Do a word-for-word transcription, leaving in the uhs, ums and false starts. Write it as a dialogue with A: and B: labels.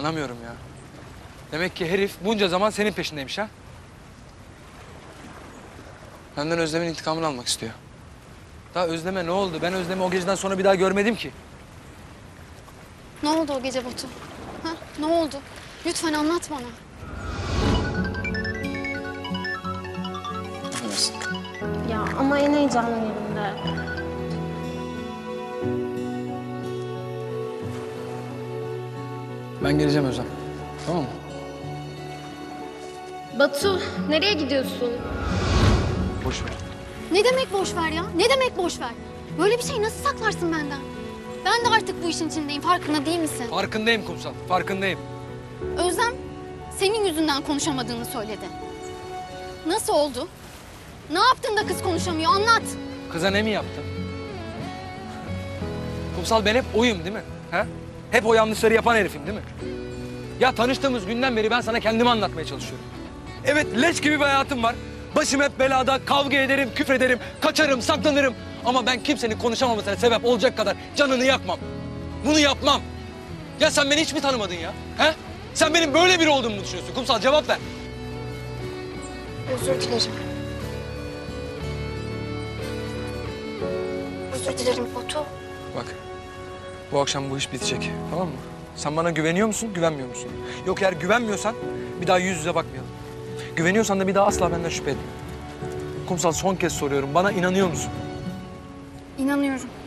A: Anlamıyorum ya. Demek ki herif bunca zaman senin peşindeymiş ha? Benden Özlem'in intikamını almak istiyor. Daha Özlem'e ne oldu? Ben Özlem'i o geceden sonra bir daha görmedim ki.
B: Ne oldu o gece Batu? Ha? Ne oldu? Lütfen anlat bana.
A: Affedersin.
C: Ya ama en heyecanlı yerinde.
A: Ben geleceğim Özlem. Tamam mı?
C: Batu, nereye gidiyorsun?
A: Boş ver.
B: Ne demek boş ver ya? Ne demek boş ver? Böyle bir şey nasıl saklarsın benden? Ben de artık bu işin içindeyim. Farkında değil misin?
A: Farkındayım Kumsal. Farkındayım.
B: Özlem senin yüzünden konuşamadığını söyledi. Nasıl oldu? Ne yaptın da kız konuşamıyor? Anlat.
A: Kıza ne mi yaptın? Kumsal ben hep oyum değil mi? Ha? Hep o yanlışları yapan herifim değil mi? Ya tanıştığımız günden beri ben sana kendimi anlatmaya çalışıyorum. Evet leş gibi bir hayatım var. Başım hep belada, kavga ederim, küfrederim, kaçarım, saklanırım. Ama ben kimsenin konuşamamasına sebep olacak kadar canını yakmam. Bunu yapmam. Ya sen beni hiç mi tanımadın ya? He? Sen benim böyle biri olduğumu mu düşünüyorsun? Kumsal cevap ver.
B: Özür dilerim. Özür dilerim Batu.
A: Bak, bu akşam bu iş bitecek, tamam mı? Sen bana güveniyor musun, güvenmiyor musun? Yok eğer güvenmiyorsan bir daha yüz yüze bakmayalım. Güveniyorsan da bir daha asla benden şüphe etme. Kumsal son kez soruyorum, bana inanıyor musun?
B: İnanıyorum.